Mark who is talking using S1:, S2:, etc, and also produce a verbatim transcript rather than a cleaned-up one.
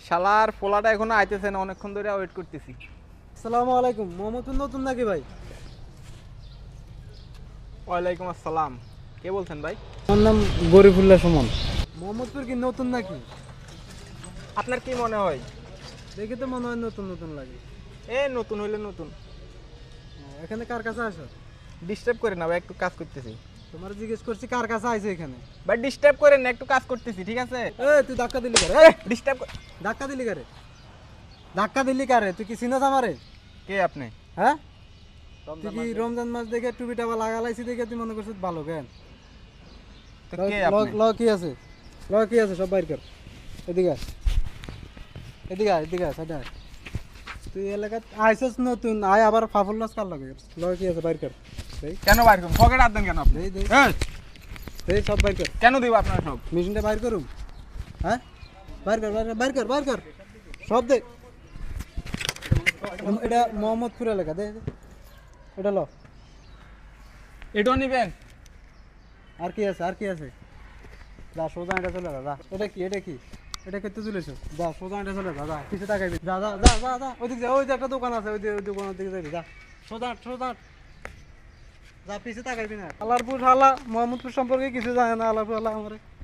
S1: শালার পোলাটা এখনো আইতেছে না, অনেকক্ষণ ধরে ওয়েট করতেছি।
S2: আসসালামু আলাইকুম। মোহাম্মদপুর নতুন নাকি ভাই?
S1: ওয়ালাইকুম আসসালাম। কে বলছেন ভাই?
S2: আমার নাম গরিবুল্লাহ সুমন। মোহাম্মদপুর কি নতুন নাকি?
S1: আপনার কি মনে হয়?
S2: দেখে তো মনে হয় নতুন নতুন লাগে।
S1: এ নতুন হইলে নতুন।
S2: ও, এখানে কার কাছে আসো?
S1: ডিস্টার্ব করে না ভাই, একটু কাজ করতেছি।
S2: তোমার জিজ্ঞেস করছি কার কাছে আইছো এখানে?
S1: ভাই ডিস্টার্ব করেন না, একটু কাজ করতেছি, ঠিক আছে?
S2: এ তুই ধাক্কা দিলি কারে?
S1: এ ডিস্টার্ব।
S2: ধাক্কা দিলি কারে? ধাক্কা দিলি কারে? তুই কি চিনস আমারে?
S1: কে আপনি?
S2: হ্যাঁ, তুই কি রমজান মাস দেখে টুপিটা বা লাগালাইছি দেখে তুই মনে করছিস ভালো কেন?
S1: তো কে আপনি?
S2: ল কি আছে? ল কি আছে সব বাইর কর। এদিকে আয়। এদিকে আয়, এদিকে আয়, সাইডে আয়। তুই এলাকাত আইসস নতুন, আয় আবার ফাফুল নাচ কার লাগে? ল কি আছে বাইর কর। এই
S1: কেন বাইর করুন? পকেট হাত দেন কেন আপনি?
S2: দেই দেই
S1: এই,
S2: এই সব বাইর কর।
S1: কেন দিব আপনার সব?
S2: মেশিনটা বাইর করুম। হ্যাঁ, বাইর কর, বাইর কর, বাইর কর, বাইর কর সব দে। এটা মোহাম্মদপুর এলাকা, দে দে। এটা ল।
S1: এটাও নিবেন?
S2: আর কি আছে? আর কি আছে? যা সোজা এটা চলে যা, যা। এটা কি? এটা কি? এটা করতে চলেছো? যা সোজা এটা চলে যা, যা পিছে তাকাইবি। যা যা যা যা যা ওইদিকে যা, ওই যে একটা দোকান আছে, ওই যে ওই দোকানের দিকে যাবি, যা সোজা হাঁট, সোজা হাঁট। যা পিছে তাকাইবি না। আলারপুর হালা মোহাম্মদপুর সম্পর্কে কিছু জানে না, আলারপুর হালা আমারে।